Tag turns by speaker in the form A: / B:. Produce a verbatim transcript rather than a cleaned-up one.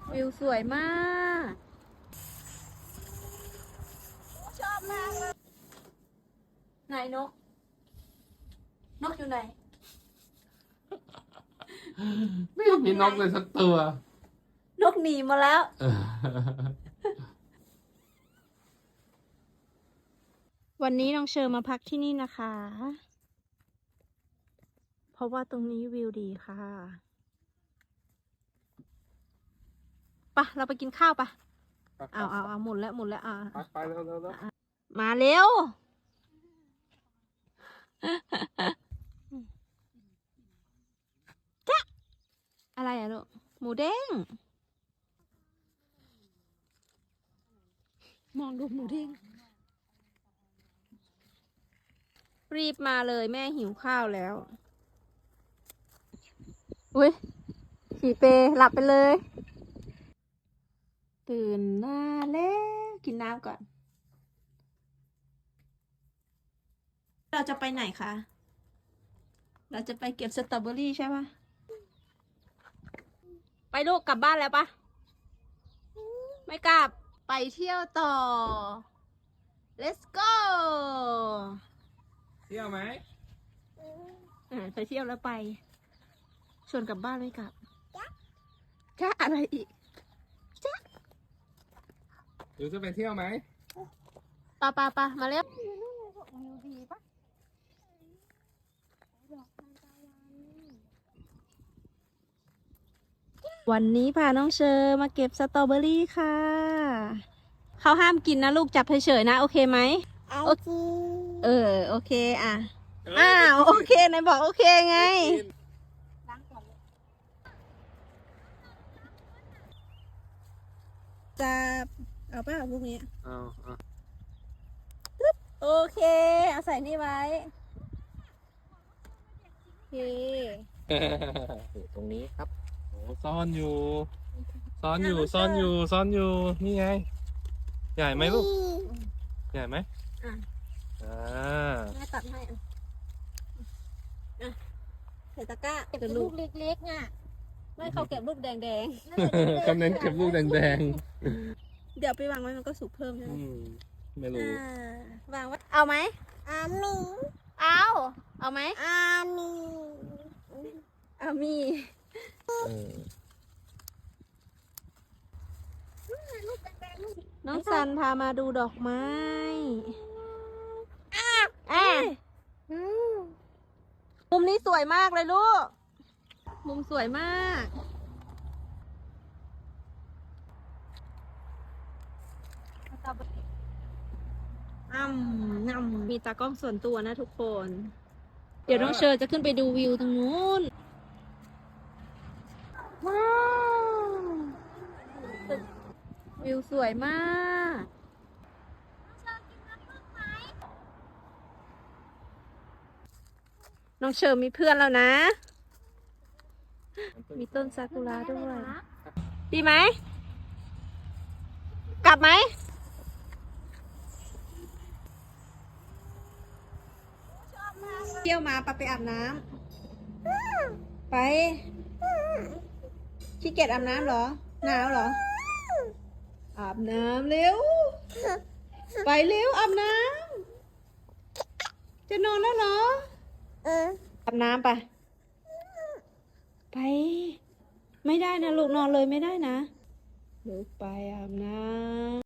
A: วิวสวยมากชอบมากเลยไหนนกนกอยู่ไหน
B: ไม่มีนกเลยสักตัวน
A: กหนีมาแล้ววันนี้น้องเชอร์มาพักที่นี่นะคะเพราะว่าตรงนี้วิวดีค่ะปะเราไปกินข้าวปะเอาเอาเอาหมุนแล้วหมุนแล้วอ่า
B: ไปเร็วเร็วเร็ว
A: มาเร็วจ๊ะอะไรอะลูกหมูเด้งมองดูหมูเด้งรีบมาเลยแม่หิวข้าวแล้วอุ้ยฉี่เปหลับไปเลยตื่นมาแล้วกินน้ำก่อนเราจะไปไหนคะเราจะไปเก็บสตรอเบอรี่ใช่ปะไปลูกกลับบ้านแล้วปะไม่กลับไปเที่ยวต่อ let's go
B: เที่ยวไหม
A: อ่าไปเที่ยวแล้วไปชวนกลับบ้านไม่กลับจ้าอะไรอีกจ้า
B: หรือจะไปเที่ยวไหม
A: ปะปะปะมาเร็ววันนี้พาน้องเชอร์มาเก็บสตรอเบอรี่ค่ะเขาห้ามกินนะลูกจับเฉยๆนะโอเคไหมโอเคเออโอเคอ่ะอ้าวโอเคไหนบอกโอเคไงจับเอาป่ะลูกนี้
B: เอาเอา
A: โอเคเอาใส่นี่ไว้โอเค
B: อยู่ตรงนี้ครับโอ้ซ่อนอยู่ซ่อนอยู่ซ่อนอยู่ซ่อนอยู่นี่ไงใหญ่ไหมลูกใหญ่ไหม
A: อ่ะ
B: อ่า
A: แม่ตัดให้อ่ะอ่ะใส่ตะกร้าเก็บลูกเล็กๆอ่ะไม่เขาเก็บลูกแดงๆ
B: กำลังเก็บลูกแดง
A: ๆเดี๋ยวไปวางไว้มันก็สุกเพิ่มใช่ไหม
B: ไม่รู้
A: วางไว้เอาไหมอามีเอาเอาไหมอามีอามีน้องซันพามาดูดอกไม้อ่ะมุมนี้สวยมากเลยลูกมุมสวยมากอ้ำงำมีตากล้องส่วนตัวนะทุกคน เดี๋ยวน้องเชอร์จะขึ้นไปดูวิวตรงนู้นว้าววิวสวยมากน้องเชอร์มีเพื่อนแล้วนะ มีต้นซากุระด้วยดีไหมกลับไหมเที่ยวมาปะไปอาบน้ำไปขี้เกียจอาบน้ำเหรอหนาวเหรออาบน้ำเร็วไปเร็วอาบน้ำจะนอนแล้วเหรออาบน้ำไปไปไม่ได้นะลูกนอนเลยไม่ได้นะลูกไปอาบน้ำ